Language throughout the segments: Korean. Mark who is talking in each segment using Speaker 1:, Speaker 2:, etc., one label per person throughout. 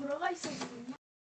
Speaker 1: 들어가 있었거든요.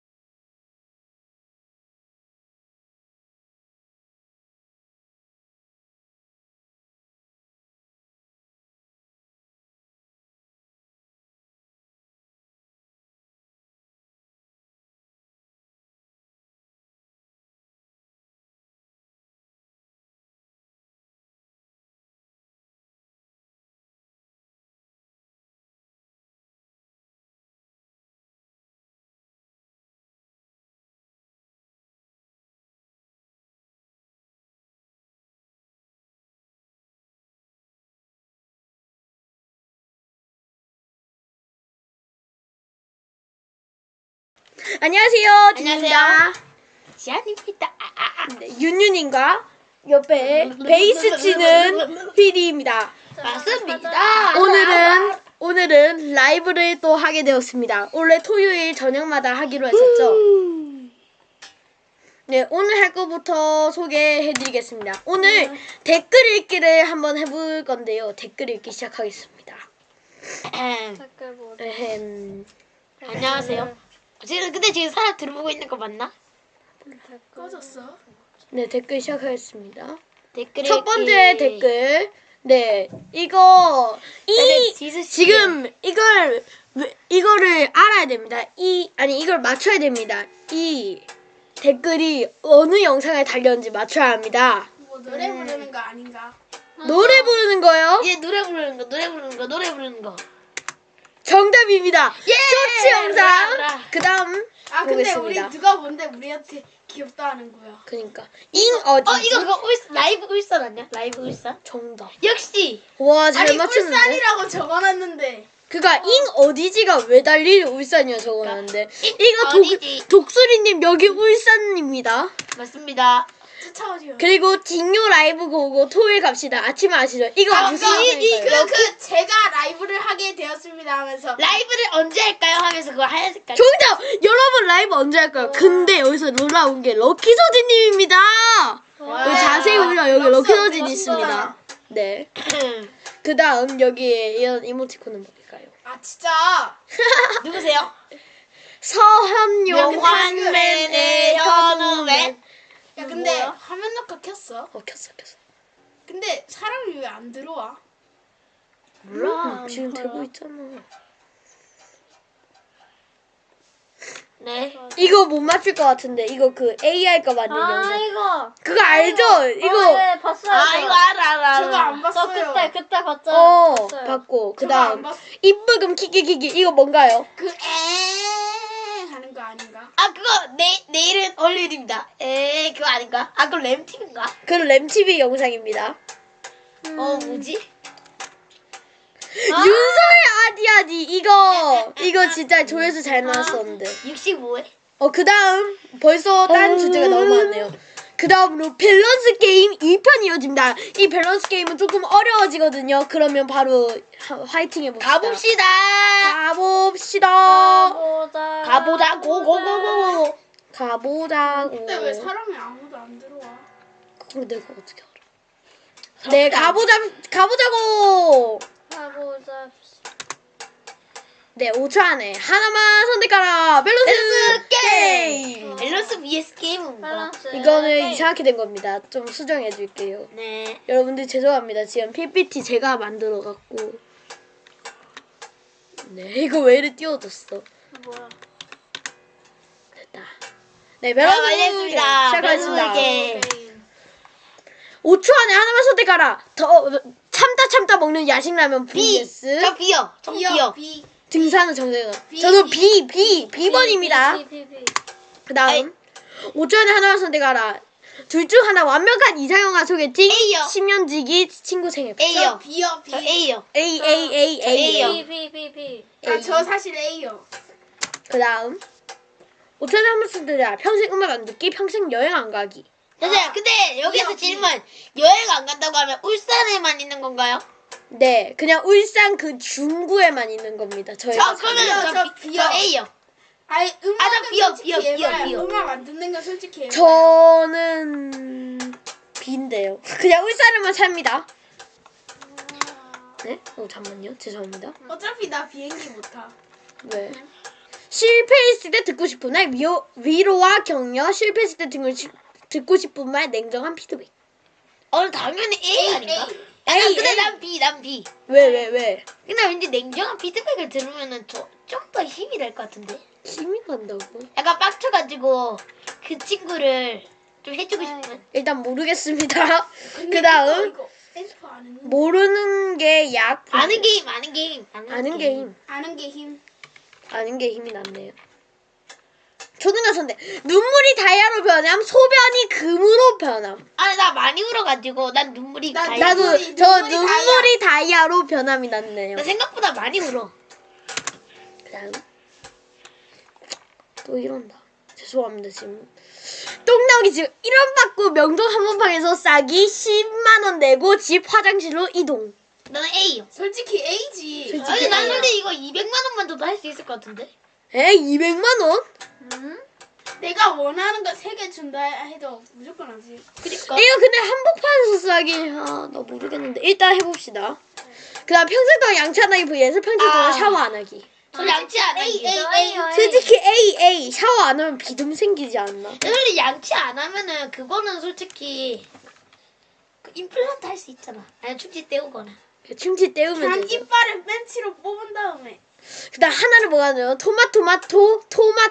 Speaker 2: 안녕하세요. 진입니다.
Speaker 3: 지안입니다.
Speaker 2: 네, 윤윤인가 옆에 베이스 치는 PD입니다.
Speaker 3: 맞습니다.
Speaker 2: 오늘은 라이브를 또 하게 되었습니다. 원래 토요일 저녁마다 하기로 했었죠. 네, 오늘 할 거부터 소개해드리겠습니다. 오늘 댓글 읽기를 한번 해볼 건데요. 댓글 읽기 시작하겠습니다.
Speaker 3: 안녕하세요. 지금 사람 들어보고 있는 거 맞나?
Speaker 1: 꺼졌어.
Speaker 2: 네, 댓글 시작하겠습니다.
Speaker 3: 댓글
Speaker 2: 첫 번째 댓글. 네, 지금 이거를 알아야 됩니다. 이걸 맞춰야 됩니다. 이 댓글이 어느 영상에 달렸는지 맞춰야 합니다.
Speaker 1: 뭐 노래 부르는 거 아닌가?
Speaker 2: 노래 부르는 거요?
Speaker 3: 예, 노래 부르는 거.
Speaker 2: 정답입니다. 쇼츠 영상.
Speaker 3: 브라.
Speaker 2: 그다음
Speaker 1: 아 근데
Speaker 2: 보겠습니다.
Speaker 1: 우리 누가 뭔데 우리한테 귀엽다 하는 거야.
Speaker 2: 그러니까 어디?
Speaker 3: 이거 그거 라이브 울산 아니야? 라이브 울산?
Speaker 2: 정답.
Speaker 3: 역시.
Speaker 2: 와, 잘
Speaker 1: 아니
Speaker 2: 맞추는데.
Speaker 1: 울산이라고 적어놨는데.
Speaker 2: 그니까 어디지가 왜 달리 울산이야 적어놨는데. 이거
Speaker 3: 어디지?
Speaker 2: 독수리님 여기 울산입니다.
Speaker 3: 맞습니다.
Speaker 1: 쫓아오지.
Speaker 2: 그리고 딩요 라이브 보고 토요일 갑시다. 아침에 아시죠? 이거 무슨 영상일까요?
Speaker 1: 제가 라이브를 하게 되었습니다 하면서
Speaker 3: 라이브를 언제 할까요? 하면서 그거 하얀 색깔.
Speaker 2: 정답! 여러분 라이브 언제 할까요? 근데 여기서 놀라운 게 럭키 서진님입니다. 여기 자세히 보면 여기 럭키 서진 있습니다. 네. 그 다음 여기에 이런 이모티콘은 뭘까요?
Speaker 1: 아 진짜.
Speaker 3: 누구세요?
Speaker 2: 서현용
Speaker 3: 환맨의 현우맨.
Speaker 1: 야 근데
Speaker 3: 뭐야?
Speaker 1: 화면 녹화 켰어.
Speaker 2: 켰어.
Speaker 1: 근데 사람이 왜 안 들어와?
Speaker 3: 몰라.
Speaker 2: 지금 되고 있잖아.
Speaker 3: 네.
Speaker 2: 이거 못 맞출 것 같은데 이거 그 AI 거 만든 영상.
Speaker 4: 이거.
Speaker 2: 그거 알죠? 이거
Speaker 4: 네, 봤어요.
Speaker 3: 이거 알아.
Speaker 1: 저거 안
Speaker 4: 저
Speaker 1: 봤어요.
Speaker 4: 그때 봤잖아요. 봤어요.
Speaker 2: 봤고
Speaker 1: 저거 안
Speaker 2: 그다음
Speaker 1: 봤어.
Speaker 2: 입부금 키키키키 이거 뭔가요?
Speaker 1: 그 하는 거 아닌가?
Speaker 3: 그거 내일은 월요일입니다. 그거 아닌가? 그거 램팀인가?
Speaker 2: 그 램TV 영상입니다.
Speaker 3: 뭐지?
Speaker 2: 윤서의 아디아디 이거 진짜 조회수 잘 나왔었는데.
Speaker 3: 65회?
Speaker 2: 그다음 벌써 다른 주제가 너무 많네요. 그다음으로 밸런스 게임 2편 이어집니다. 이 밸런스 게임은 조금 어려워지거든요. 그러면 바로 화이팅 해봅시다.
Speaker 3: 가보자. 고고고고.
Speaker 2: 가보자고.
Speaker 1: 근데 왜 사람이 아무도 안 들어와?
Speaker 2: 그걸 내가 어떻게 알아? 네, 가보자고.
Speaker 4: 가보자.
Speaker 2: 네, 5초 안에 하나만 선택하라. 밸런스 게임.
Speaker 3: 밸런스 vs 게임은 뭐?
Speaker 4: 밸런스.
Speaker 2: 이거는 이상하게 된 겁니다. 좀 수정해 줄게요.
Speaker 3: 네.
Speaker 2: 여러분들 죄송합니다. 지금 PPT 제가 만들어 갖고. 네, 이거 왜 이리 띄워졌어?
Speaker 4: 뭐야?
Speaker 2: 됐다. 네, 밸런스
Speaker 3: 알겠습니다.
Speaker 2: 시작하겠습니다.
Speaker 3: 밸런스
Speaker 4: 게임.
Speaker 2: 5초 안에 하나만 선택하라. 더 참다 먹는 야식라면
Speaker 3: B.
Speaker 2: vs
Speaker 3: 저 B요. 저 B요.
Speaker 1: B.
Speaker 2: 등산은 정대가.
Speaker 1: B.
Speaker 2: 저도 B번입니다.
Speaker 4: B.
Speaker 2: 그다음 5초 안에 하나만 선택하라. 둘 중 하나 완벽한 이상형과 소개팅.
Speaker 3: A요.
Speaker 2: 10년 지기 친구 생일.
Speaker 3: A요.
Speaker 1: B요. B.
Speaker 3: 저 A요.
Speaker 2: A.
Speaker 3: A요.
Speaker 4: B.
Speaker 1: 저 사실 A요.
Speaker 2: 그다음 5초 안에 한번 선택하라. 평생 음악 안 듣기, 평생 여행 안 가기.
Speaker 3: 선생님, 근데 여기서 질문. 여행 안 간다고 하면 울산에만 있는 건가요?
Speaker 2: 네, 그냥 울산 그 중구에만 있는 겁니다. 저희가.
Speaker 3: 그러면
Speaker 1: 저 B요.
Speaker 3: 저 A요.
Speaker 1: 아니 음악은
Speaker 3: 저 B요,
Speaker 1: 솔직히
Speaker 3: B요.
Speaker 1: 해봐요. 음악 안 듣는 건 솔직히 해봐요.
Speaker 2: 저는 B인데요. 그냥 울산에만 삽니다. 네? 잠깐만요. 죄송합니다.
Speaker 1: 어차피 나 비행기 못 타.
Speaker 2: 왜? 실패했을 때 듣고 싶은 말 위로와 격려. 실패했을 때 듣고 싶은 말 냉정한 피드백.
Speaker 3: 당연히 A 아닌가?
Speaker 2: A,
Speaker 3: 근데
Speaker 2: A.
Speaker 3: 난 B.
Speaker 2: 왜?
Speaker 3: 근데 왠지 냉정한 피드백을 들으면은 좀 더 힘이 될 것 같은데?
Speaker 2: 힘이 난다고?
Speaker 3: 약간 빡쳐가지고 그 친구를 좀 해주고 싶은?
Speaker 2: 일단 모르겠습니다.
Speaker 1: 근데
Speaker 2: 그 다음
Speaker 1: 이거 엠프 아는
Speaker 2: 모르는 게 약.
Speaker 3: 아는 게임.
Speaker 2: 아는 게 힘.
Speaker 1: 아는 게 힘.
Speaker 2: 아는 게 힘이 낫네요. 초등학생인데 눈물이 다이아로 변함, 소변이 금으로 변함.
Speaker 3: 아니 나 많이 울어가지고 난 눈물이
Speaker 1: 나-
Speaker 3: 다이-
Speaker 2: 나도
Speaker 1: 눈물이
Speaker 2: 눈물이 다이아로 변함이 낫네요.
Speaker 3: 나 생각보다 많이 울어.
Speaker 2: 그다음 또 이런다. 죄송합니다 지금. 똥나오기 지금 1원 받고 명동 한번방에서 싸기 10만 원 내고 집 화장실로 이동.
Speaker 3: 나는 A요.
Speaker 1: 솔직히 A지.
Speaker 2: 솔직히
Speaker 3: 아니 난
Speaker 2: A야.
Speaker 3: 솔직히 이거 200만 원만 줘도 할 수 있을 것 같은데?
Speaker 2: 에 200만 원?
Speaker 1: 내가 원하는 거 3개 준다 해도 무조건 하지.
Speaker 3: 그니까.
Speaker 2: 이거 근데 한복판에서 싸기 나 모르겠는데 일단 해봅시다. 그다음 평생 동안 양치 안 하기 vs 평생 동안 샤워 안 하기.
Speaker 3: 저 양치 안 하기.
Speaker 2: 솔직히 A 샤워 안 하면 비듬 생기지 않나?
Speaker 3: 솔직히 양치 안 하면은 그거는 솔직히 그 임플란트 할 수 있잖아. 아니 충치 때우거나.
Speaker 2: 충치 때우면
Speaker 1: 그냥
Speaker 2: 되죠.
Speaker 1: 이빨을 벤치로 뽑은 다음에
Speaker 2: 그다음 하나를 뭐가요? 토마토마토야.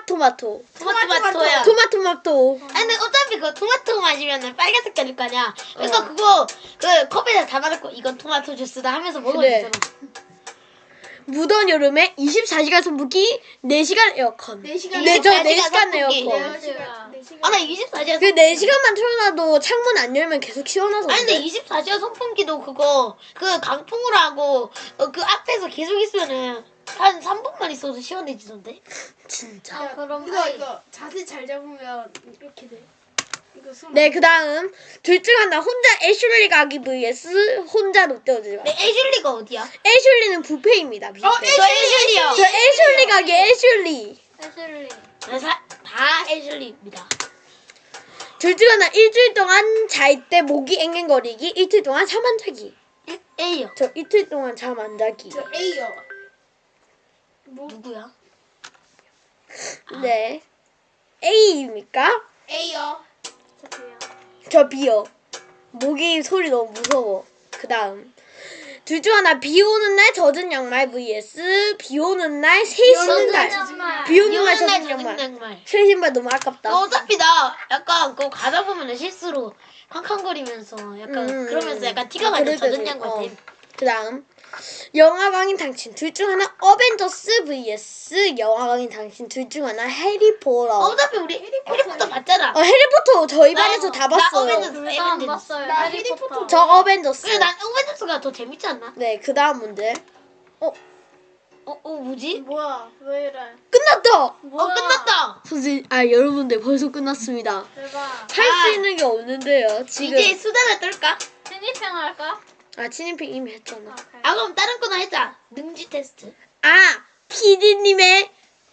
Speaker 3: 토마토마토. 아니 근데 어차피 그 토마토 마시면은 빨간 색깔일 거 아니야. 그래서 그거 그 컵에다 담아놓고 이건 토마토 주스다 하면서 먹으면
Speaker 2: 그래.
Speaker 3: 되잖아.
Speaker 2: 무더운 여름에 24시간 선풍기, 4시간 에어컨.
Speaker 1: 4시간
Speaker 2: 네, 저
Speaker 3: 24시간
Speaker 2: 4시간
Speaker 3: 선풍기.
Speaker 2: 에어컨.
Speaker 1: 4시간.
Speaker 3: 아 나 24시간.
Speaker 2: 그 4시간만 틀어놔도 창문 안 열면 계속 시원해서.
Speaker 3: 아니 근데
Speaker 2: 그래.
Speaker 3: 24시간 선풍기도 그거 그 강풍으로 하고 그 앞에서 계속 있으면은 한 3분만 있어도 시원해지던데.
Speaker 2: 진짜.
Speaker 1: 야,
Speaker 4: 그럼
Speaker 1: 이거 자세 잘 잡으면 이렇게 돼. 이거 손.
Speaker 2: 네, 그다음 둘 중 하나 혼자 애슐리 가기 vs 혼자 롯데월드 가기.
Speaker 3: 근데 애슐리가 어디야?
Speaker 2: 애슐리는 뷔페입니다. 뷔페.
Speaker 3: 저 애슐리요.
Speaker 2: 저 애슐리 가기 애슐리.
Speaker 4: 애슐리.
Speaker 3: 다 애슐리입니다.
Speaker 2: 둘 중 하나 일주일 동안 잘 때 목이 앵앵거리기, 이틀 동안 잠 안 자기.
Speaker 3: A요.
Speaker 2: 저 이틀 동안 잠 안 자기.
Speaker 1: 저 A요. 뭐
Speaker 3: 누구야?
Speaker 2: 네. A입니까?
Speaker 1: A요.
Speaker 4: 저도요.
Speaker 2: 저 B요. 모기 소리 너무 무서워. 그 다음. 둘 중 하나 비 오는 날 젖은 양말 vs 비 오는 날 새 신는 날. 비 오는 날 젖은 양말.
Speaker 3: 양말.
Speaker 2: 새 신발 너무 아깝다.
Speaker 3: 어차피 나 약간 그거 가다 보면 실수로 캄캄거리면서 약간 그러면서 약간 티가 많이
Speaker 2: 그럴 때
Speaker 3: 젖은
Speaker 2: 돼.
Speaker 3: 양말 돼.
Speaker 2: 그 다음. 영화광인 당신. 둘 중 하나 어벤져스 vs 영화광인 당신. 둘 중 하나 해리포터.
Speaker 3: 어차피 우리 해리포터 봤잖아.
Speaker 2: 해리포터 저희 반에서 다
Speaker 3: 나
Speaker 2: 봤어요.
Speaker 3: 어벤져스.
Speaker 4: 둘 다 안 봤어요.
Speaker 1: 나
Speaker 4: 해리포터.
Speaker 1: 해리포터
Speaker 2: 저 어벤져스.
Speaker 3: 그래 난 어벤져스가 더 재밌지 않나?
Speaker 2: 네, 그 다음 문제.
Speaker 3: 뭐지?
Speaker 1: 뭐야? 왜 이래?
Speaker 2: 끝났다!
Speaker 4: 뭐야?
Speaker 3: 끝났다.
Speaker 2: 선생님, 여러분들 벌써 끝났습니다.
Speaker 4: 대박.
Speaker 2: 할 수 있는 게 없는데요, 지금.
Speaker 3: 이제 수다를 떨까?
Speaker 4: 진입형 할까?
Speaker 2: 진입핑 이미 했잖아.
Speaker 4: 오케이.
Speaker 3: 그럼 다른 거나 했자. 능지 테스트.
Speaker 2: PD님의.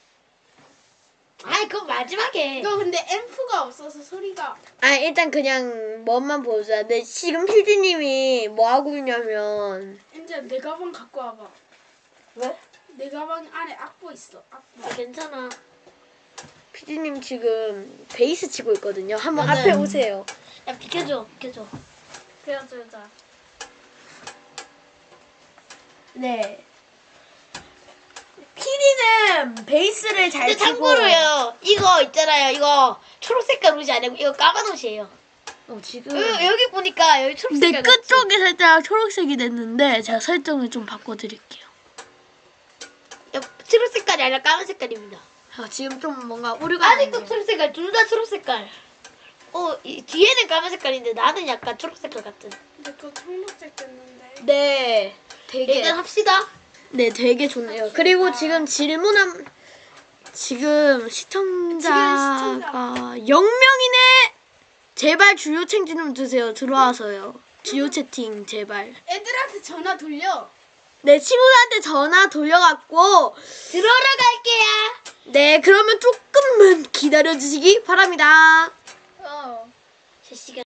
Speaker 3: 아이 그건 마지막에.
Speaker 1: 이거 근데 앰프가 없어서 소리가.
Speaker 2: 일단 그냥 뭐만 보자. 네, 지금 PD님이 뭐 하고 있냐면.
Speaker 1: 엔지야 내 가방 갖고 와봐.
Speaker 3: 왜?
Speaker 1: 내 가방 안에 악보 있어. 악보.
Speaker 3: 괜찮아.
Speaker 2: PD님 지금 베이스 치고 있거든요. 한번
Speaker 3: 맞아요.
Speaker 2: 앞에 오세요.
Speaker 3: 야 비켜줘.
Speaker 4: 그려주자.
Speaker 2: 네. PD는 베이스를 잘
Speaker 3: 근데
Speaker 2: 치고.
Speaker 3: 참고로요. 이거 있잖아요. 이거 초록색깔 옷이 아니고 이거 까만 옷이에요.
Speaker 2: 지금.
Speaker 3: 여기 보니까 여기
Speaker 2: 근데
Speaker 3: 초록색깔
Speaker 2: 끝 쪽이 살짝 초록색이 됐는데 제가 설정을 좀 바꿔드릴게요.
Speaker 3: 초록 색깔이 아니라 까만 색깔입니다.
Speaker 2: 지금 좀 뭔가 오류가
Speaker 3: 아직도
Speaker 2: 났네요.
Speaker 3: 초록 색깔, 둘 다 초록 색깔. 뒤에는 까만 색깔인데 나는 약간 초록 색깔 같은.
Speaker 1: 근데 그거 청록색 됐는데.
Speaker 2: 네, 되게
Speaker 3: 일단 합시다.
Speaker 2: 네, 되게 좋네요. 그리고 지금 지금 시청자가 0명이네. 제발 주요 채팅 좀 주세요. 들어와서요. 주요 채팅 제발.
Speaker 1: 애들한테 전화 돌려.
Speaker 2: 네, 친구들한테 전화 돌려갖고
Speaker 3: 들어러 갈게요.
Speaker 2: 네, 그러면 조금만 기다려주시기 바랍니다.
Speaker 3: 실시간.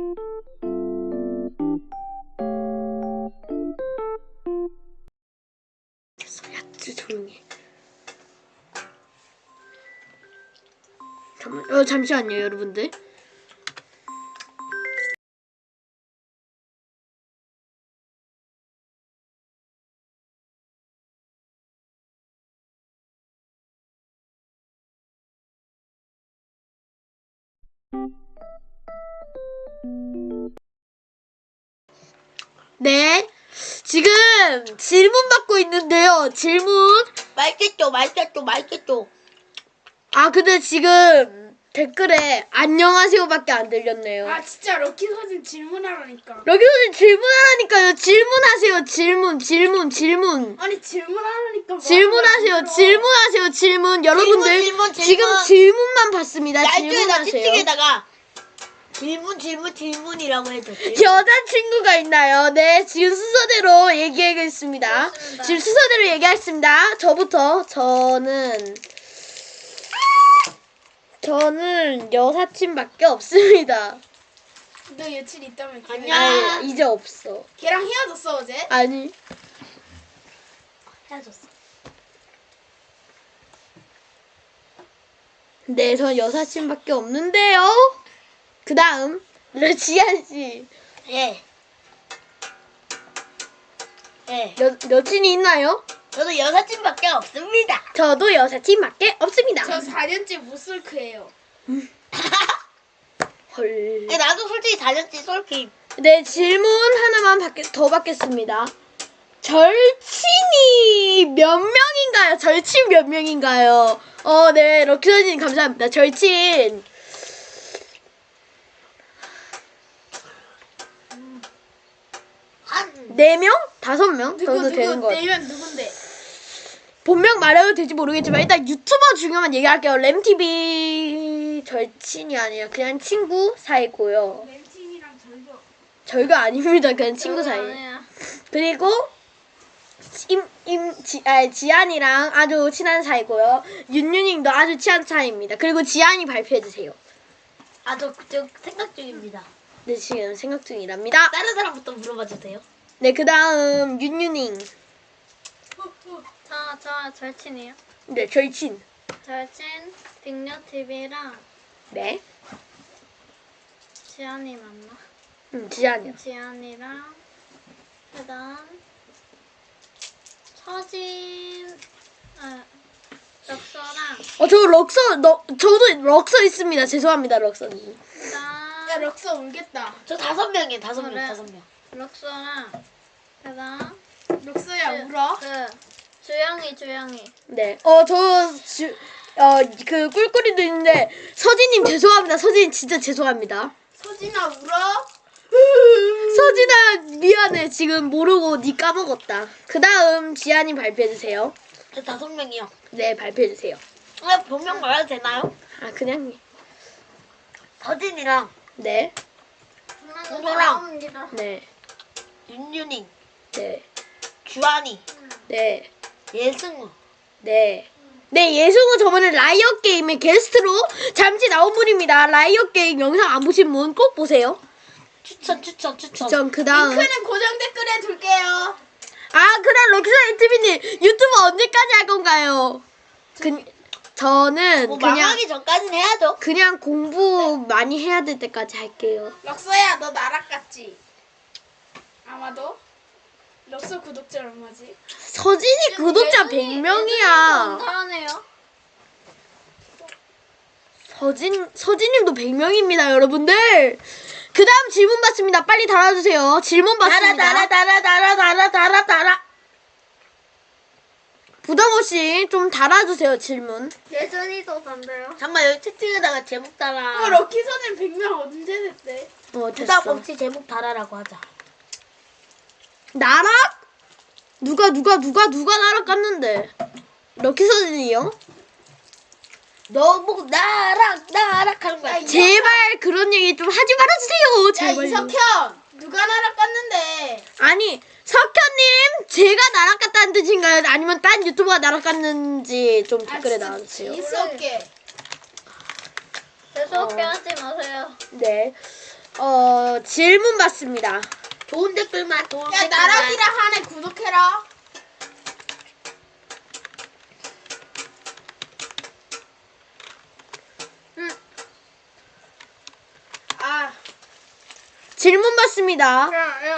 Speaker 2: 됐어, 야, 조용히. 잠시만요, 여러분들. 네, 지금 질문 받고 있는데요. 질문.
Speaker 3: 맛있겠죠, 맛있겠죠, 맛있겠죠.
Speaker 2: 아, 근데 지금 댓글에 안녕하세요밖에 안 들렸네요.
Speaker 1: 아 진짜 럭키 서진 질문하라니까.
Speaker 2: 여기 선생님 질문하라니까요. 질문하세요. 질문.
Speaker 1: 아니 질문하라니까. 뭐
Speaker 2: 질문하세요.
Speaker 1: 하는 거야?
Speaker 2: 질문하세요. 질문. 여러분들
Speaker 3: 질문.
Speaker 2: 지금 질문만 받습니다.
Speaker 3: 날조에다
Speaker 2: 질문하세요.
Speaker 3: 채팅에다가 질문이라고 해줘.
Speaker 2: 여자친구가 있나요? 네, 지금 순서대로 얘기하겠습니다.
Speaker 4: 그렇습니다.
Speaker 2: 지금 순서대로 얘기하겠습니다. 저부터. 저는 여사친밖에 없습니다.
Speaker 1: 너 여친 있다며. 걔.
Speaker 3: 아니야.
Speaker 2: 아니, 이제 없어.
Speaker 1: 걔랑 헤어졌어 어제?
Speaker 2: 아니.
Speaker 3: 헤어졌어.
Speaker 2: 네, 저 여사친밖에 없는데요. 그 다음, 지한씨.
Speaker 3: 예.
Speaker 2: 여친이 있나요?
Speaker 3: 저도 여사친밖에 없습니다.
Speaker 2: 저도 여사친밖에 없습니다.
Speaker 1: 저 4년째 무슬크예요.
Speaker 2: 헐.
Speaker 3: 나도 솔직히 달렸지, 솔직히.
Speaker 2: 네, 질문 하나만 더 받겠습니다. 절친이 몇 명인가요? 절친 몇 명인가요? 네, 럭키선님 감사합니다. 절친.
Speaker 3: 한
Speaker 2: 4명? 5명 정도 되는 것 같아요.
Speaker 1: 내면 누군데?
Speaker 2: 본명 말해도 될지 모르겠지만 일단 유튜버 중요만 얘기할게요. 램TV 절친이 아니라 그냥 친구 사이고요.
Speaker 1: 램팀이랑 절교.
Speaker 2: 절교 아닙니다. 그냥 친구 사이.
Speaker 4: 아니야.
Speaker 2: 그리고 지안이랑 아주 친한 사이고요. 윤윤님도 아주 친한 사이입니다. 그리고 지안이 발표해주세요.
Speaker 3: 저 생각 중입니다.
Speaker 2: 네, 지금 생각 중이랍니다.
Speaker 3: 다른 사람부터 물어봐 주세요.
Speaker 2: 네, 그 다음 윤윤님.
Speaker 4: 저 절친이요.
Speaker 2: 네, 절친.
Speaker 4: 절친 빅녀TV랑
Speaker 2: 네.
Speaker 4: 지안이 맞나?
Speaker 2: 지안이요.
Speaker 4: 지안이랑 그다음 서진 럭서랑
Speaker 2: 저도 럭서 있습니다. 죄송합니다, 럭서님.
Speaker 4: 그다음
Speaker 1: 야 럭서 울겠다.
Speaker 3: 저 5명이에요, 5명,
Speaker 4: 그래.
Speaker 3: 5명.
Speaker 4: 럭서랑 그다음
Speaker 1: 럭서야 울어?
Speaker 4: 주영이
Speaker 2: 네. 그 꿀꿀이도 있는데 서진님 죄송합니다. 서진 진짜 죄송합니다.
Speaker 1: 서진아 울어?
Speaker 2: 서진아 미안해. 지금 모르고 니 까먹었다. 그 다음 지안님 발표해주세요.
Speaker 3: 저 5명이요.
Speaker 2: 네, 발표해주세요.
Speaker 3: 본명 말해도 되나요?
Speaker 2: 아, 그냥.
Speaker 3: 서진이랑
Speaker 2: 네.
Speaker 3: 동서랑
Speaker 2: 네.
Speaker 3: 윤윤이,
Speaker 2: 네.
Speaker 3: 주한이,
Speaker 2: 네.
Speaker 3: 예승우.
Speaker 2: 네. 네, 예승우 저번에 라이엇 게임의 게스트로 잠시 나온 분입니다. 라이엇 게임 영상 안 보신 분 꼭 보세요.
Speaker 3: 추천.
Speaker 2: 전 그 다음.
Speaker 1: 링크는 고정 댓글에 둘게요.
Speaker 2: 아, 그럼 럭키사이 TV님 유튜브 언제까지 할 건가요? 저는
Speaker 3: 뭐
Speaker 2: 그냥
Speaker 3: 망하기 전까지는 해야죠.
Speaker 2: 그냥 공부 많이 해야 될 때까지 할게요.
Speaker 1: 럭서야 너 나락 같지? 아마도? 럭서 구독자 얼마지?
Speaker 2: 서진이 구독자 100명이야.
Speaker 4: 감사하네요.
Speaker 2: 서진님도 100명입니다, 여러분들. 그 다음 질문 받습니다. 빨리 달아주세요. 질문 받습니다.
Speaker 3: 달아.
Speaker 2: 부담 없이 좀 달아주세요, 질문.
Speaker 4: 예전이도 단데요.
Speaker 3: 잠깐만, 여기 채팅에다가 제목 달아.
Speaker 1: 럭키 서진 100명 언제 됐대?
Speaker 3: 부담
Speaker 2: 됐어.
Speaker 3: 없이 제목 달아라고 하자.
Speaker 2: 나락? 누가 나락 깠는데? 럭키 서진이요?
Speaker 3: 너 보고 나락 하는 거야.
Speaker 2: 제발 그런 얘기 좀 하지 말아주세요.
Speaker 1: 야
Speaker 2: 제발.
Speaker 1: 이석현 누가 나락 깠는데?
Speaker 2: 아니, 석현님, 제가 나락 깠다는 뜻인가요? 아니면 딴 유튜버가 나락 깠는지 좀 댓글에 나와주세요.
Speaker 1: 있어 없게.
Speaker 4: 재수없게 하지 마세요.
Speaker 2: 네. 질문 받습니다.
Speaker 3: 좋은 댓글만 좋은
Speaker 1: 야
Speaker 3: 댓글만.
Speaker 1: 나락이랑 한해 구독해라. 아,
Speaker 2: 질문 받습니다.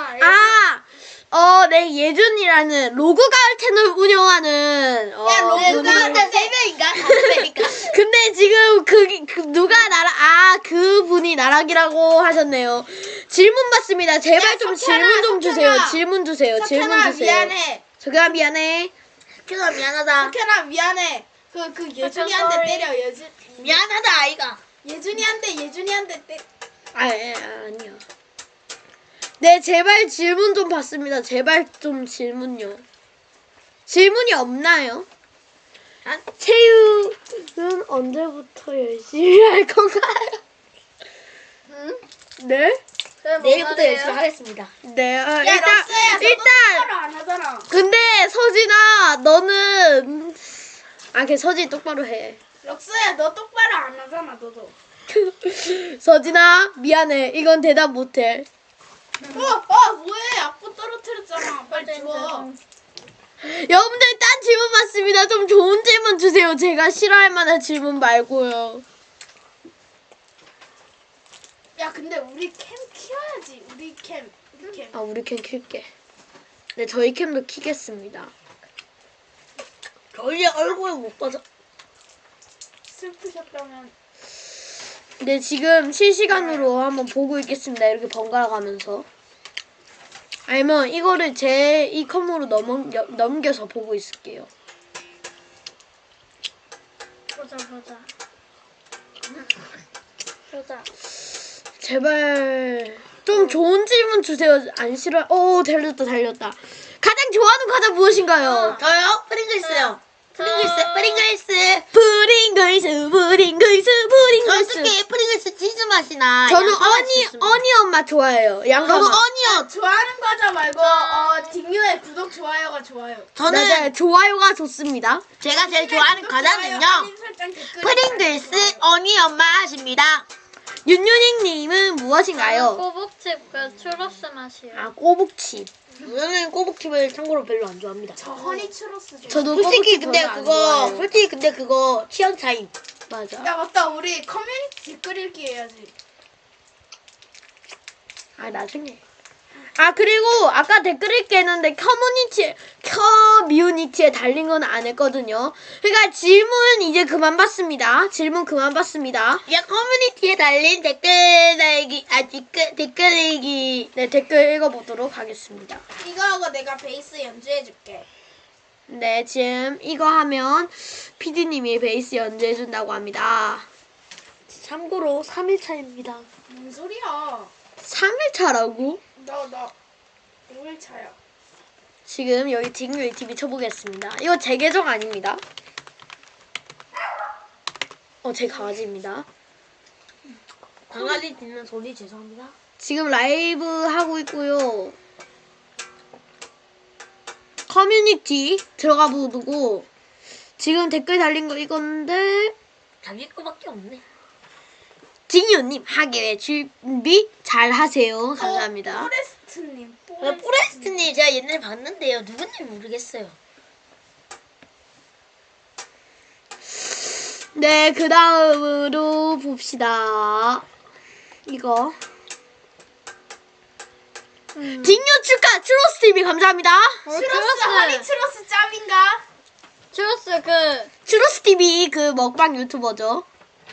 Speaker 2: 네, 예준이라는 로그가을 채널 운영하는,
Speaker 1: 야, 로그가을
Speaker 2: 분이-
Speaker 3: 근데 3명인가? 5명인가?
Speaker 2: 근데 지금 누가 그분이 나락이라고 하셨네요. 질문 받습니다. 제발
Speaker 1: 야,
Speaker 2: 좀
Speaker 1: 석현아,
Speaker 2: 질문 좀 주세요.
Speaker 1: 석현아.
Speaker 2: 질문 주세요. 질문
Speaker 1: 석현아
Speaker 2: 주세요.
Speaker 1: 미안해.
Speaker 2: 석현아 미안해.
Speaker 3: 큐가 미안하다.
Speaker 1: 석현아 미안해. 그 예준이한테
Speaker 4: sorry.
Speaker 1: 때려.
Speaker 3: 미안하다 아이가.
Speaker 1: 예준이한테 때.
Speaker 2: 아니요. 네, 제발 질문 좀 받습니다. 제발 좀 질문요. 질문이 없나요? 체육은 언제부터 열심히 할 건가요?
Speaker 4: 응?
Speaker 2: 네?
Speaker 3: 내일부터 열심히 하겠습니다.
Speaker 2: 네,
Speaker 1: 야 럭스야 너도 똑바로 안 하잖아.
Speaker 2: 근데 서진아, 너는 걔 서진 똑바로 해.
Speaker 1: 럭스야 너 똑바로 안 하잖아 너도.
Speaker 2: 서진아, 미안해. 이건 대답 못해.
Speaker 1: 뭐해? 악보 떨어뜨렸잖아. 빨리 줘.
Speaker 2: 여러분들 딴 질문 받습니다. 좀 좋은 질문 주세요. 제가 싫어할 만한 질문 말고요.
Speaker 1: 야 근데 우리 캠 키워야지. 우리 캠.
Speaker 2: 우리 캠 킬게. 네, 저희 캠도 키겠습니다.
Speaker 3: 저희 얼굴 못 봐서.
Speaker 1: 슬프셨다면.
Speaker 2: 네, 지금 실시간으로 한번 보고 있겠습니다. 이렇게 번갈아 가면서. 아니면 이거를 제 이 컴으로 넘겨서 보고 있을게요.
Speaker 4: 보자.
Speaker 2: 제발 좀 좋은 질문 주세요. 안 싫어. 달렸다. 가장 좋아하는 과자 무엇인가요?
Speaker 3: 저요? 프링글스요. 프링글스. 저 특히 프링글스 치즈 맛이나.
Speaker 2: 저는
Speaker 3: 양파 맛이 좋습니다.
Speaker 2: 어니언 맛 좋아해요. 양파
Speaker 3: 저도
Speaker 2: 맛.
Speaker 3: 어니언.
Speaker 1: 좋아하는 과자 말고 딩유의 구독 좋아요가 좋아요.
Speaker 3: 저는
Speaker 2: 네, 좋아요가 좋습니다.
Speaker 3: 제가 제일 좋아하는 과자는요.
Speaker 1: 알림 설정, 댓글
Speaker 3: 프링글스 어니언 맛입니다.
Speaker 2: 윤윤익님은 무엇인가요?
Speaker 4: 꼬북칩 그 추러스 맛이요.
Speaker 2: 꼬북칩.
Speaker 3: 저는 꼬북칩을 참고로 별로 안 좋아합니다.
Speaker 1: 저 허니 추러스 좋아.
Speaker 2: 저도
Speaker 3: 솔직히
Speaker 2: 꼬북칩
Speaker 3: 근데
Speaker 2: 별로 안
Speaker 3: 그거
Speaker 2: 좋아해요.
Speaker 3: 솔직히 근데 그거 취향 차이.
Speaker 2: 맞아.
Speaker 1: 야 맞다 우리 커뮤니티 댓글 읽기 해야지.
Speaker 2: 나중에. 그리고 아까 댓글 읽기 했는데 커뮤니티에 달린 건 안 했거든요. 그러니까 질문 이제 그만 받습니다. 질문 그만 받습니다.
Speaker 3: 야 커뮤니티에 달린 댓글 달기 댓글 읽기.
Speaker 2: 네, 댓글 읽어보도록 하겠습니다.
Speaker 1: 이거 하고 내가 베이스 연주해줄게.
Speaker 2: 네, 지금 이거 하면 PD님이 베이스 연주해준다고 합니다.
Speaker 3: 참고로 3일차입니다.
Speaker 1: 뭔 소리야?
Speaker 2: 3일차라고?
Speaker 1: 나 5일차야.
Speaker 2: 지금 여기 딩유 TV 쳐보겠습니다. 이거 제 계정 아닙니다. 제 강아지입니다.
Speaker 3: 강아지 듣는 소리 죄송합니다.
Speaker 2: 지금 라이브 하고 있고요. 커뮤니티 들어가 보고 지금 댓글 달린 거 이건데
Speaker 3: 자기 거밖에 없네.
Speaker 2: 딩유님 하기에 준비 잘 하세요. 감사합니다.
Speaker 1: 포레스트님.
Speaker 3: 포레스트님 제가 옛날에 봤는데요. 누군지 모르겠어요.
Speaker 2: 네, 그 다음으로 봅시다. 이거. 딩유 축하! 추로스 TV 감사합니다.
Speaker 1: 추러스 허니 추러스 짭인가?
Speaker 4: 추러스 그
Speaker 2: 추로스 TV 그 먹방 유튜버죠.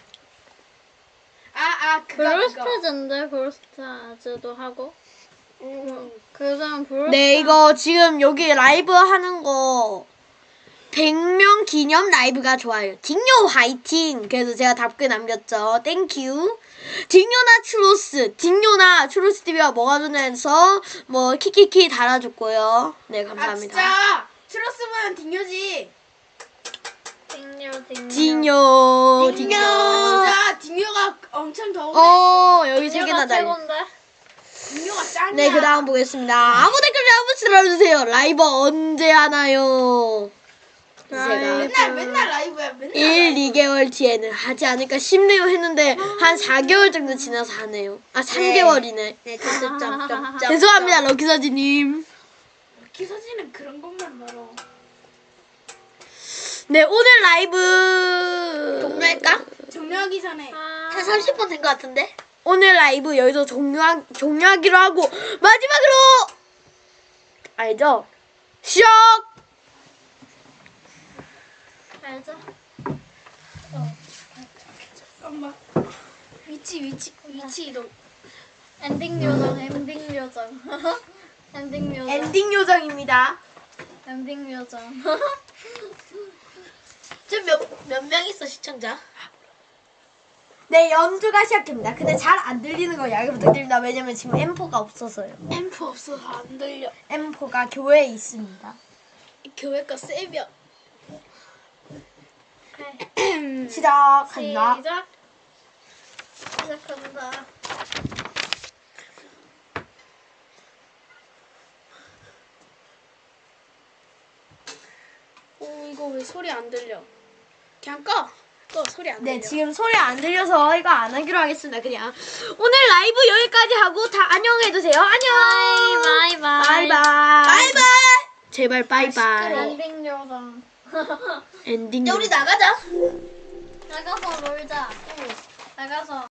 Speaker 1: 그거.
Speaker 4: 브롤스타즈인데 브롤스타즈도 하고 그 사람 브롤스타.
Speaker 2: 네, 이거 지금 여기 라이브 하는 거 100명 기념 라이브가 좋아요. 딩요 화이팅! 그래서 제가 답글 남겼죠. 땡큐. 딩요나 추로스 TV가 뭐가 좋냐해서 뭐 키키키 달아줬고요. 네, 감사합니다.
Speaker 1: 진짜 추러스면 딩요지.
Speaker 4: 딩요.
Speaker 1: 진짜 딩요가 엄청 더운데
Speaker 2: 여기 세 개나 달려.
Speaker 4: 최고인데.
Speaker 1: 딩요가 짱이야.
Speaker 2: 네, 그 다음 보겠습니다. 아무 댓글 한번 들어주세요. 라이브 언제 하나요? 제가
Speaker 1: 맨날 라이브야. 맨날.
Speaker 2: 1, 2개월 뒤에는 하지 않을까 싶네요 했는데 한 4개월 정도 지나서 하네요. 아 3개월이네.
Speaker 3: 네, 점점점점.
Speaker 2: 죄송합니다 럭키서지님.
Speaker 1: 기사진은 그런 것만 말어.
Speaker 2: 네 오늘 라이브
Speaker 3: 종료할까?
Speaker 1: 종료하기 전에
Speaker 4: 아,
Speaker 3: 한 30분 된 것 같은데?
Speaker 2: 오늘 라이브 여기서 종료하기로 하고 마지막으로 알죠? 쇽!
Speaker 4: 알죠?
Speaker 1: 잠깐만. 위치 이동.
Speaker 4: 엔딩 요정, 엔딩 요정. 엔딩 요정.
Speaker 2: 엔딩 요정입니다.
Speaker 4: 엔딩 요정.
Speaker 3: 지금 몇 명 있어, 시청자?
Speaker 2: 네 연주가 시작됩니다. 근데 잘 안 들리는 거 양해 부탁드립니다. 왜냐면 지금 M4가 없어서요.
Speaker 1: 앰프 없어서 안 들려.
Speaker 2: M4가 교회에 있습니다.
Speaker 1: 교회 거 세벼.
Speaker 2: 시작합니다.
Speaker 4: 시작. 시작한다.
Speaker 1: 이거 왜 소리 안 들려? 그냥 꺼. 소리 안
Speaker 2: 네
Speaker 1: 들려.
Speaker 2: 지금 소리 안 들려서 이거 안 하기로 하겠습니다. 그냥 오늘 라이브 여기까지 하고 다 안녕해주세요. 안녕.
Speaker 4: 바이바이.
Speaker 2: 바이바이.
Speaker 1: 바이바이.
Speaker 2: 제발 바이바이.
Speaker 4: 엔딩 요정.
Speaker 2: 엔딩.
Speaker 3: 야, 우리 나가자.
Speaker 4: 나가서 놀자. 나가서.